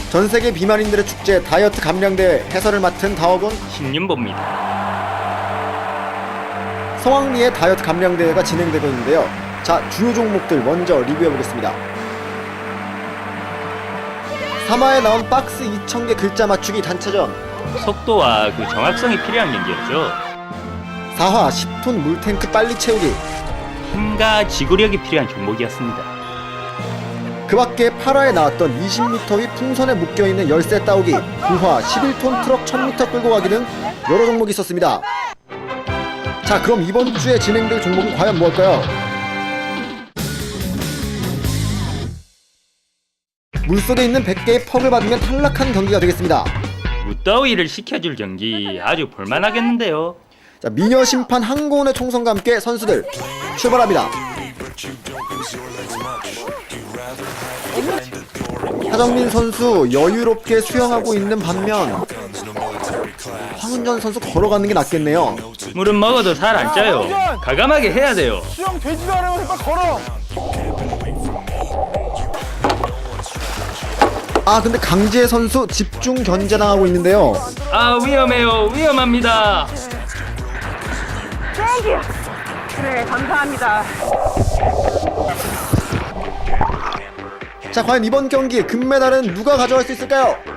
전세계 비만인들의 축제 다이어트 감량대회 해설을 맡은 다어곤 신윤보입니다. 성황리에 다이어트 감량대회가 진행되고 있는데요. 자, 주요 종목들 먼저 리뷰해보겠습니다. 3화에 나온 박스 2000개 글자 맞추기 단체전, 속도와 그 정확성이 필요한 경기였죠. 4화 10톤 물탱크 빨리 채우기, 힘과 지구력이 필요한 종목이었습니다. 그 밖에 8화에 나왔던 20m 위 풍선에 묶여있는 열쇠 따오기, 9화 11톤 트럭 1000m 끌고 가기 등 여러 종목이 있었습니다. 자, 그럼 이번 주에 진행될 종목은 과연 무엇일까요? 물속에 있는 100개의 퍽을 받으면 탈락한 경기가 되겠습니다. 무더위를 식혀줄 경기 아주 볼만하겠는데요. 자, 미녀 심판 한고은의 총성과 함께 선수들 출발합니다. 하정민 선수 여유롭게 수영하고 있는 반면 황은전 선수 걸어가는 게 낫겠네요. 물은 먹어도 살 안 쪄요. 과감하게 해야 돼요. 수영 되지도 않으면서 빨리 걸어. 아, 근데 강지혜 선수 집중 견제당하고 있는데요. 아, 위험해요. 위험합니다. 땡큐. 그래, 감사합니다. 자, 과연 이번 경기 금메달은 누가 가져갈 수 있을까요?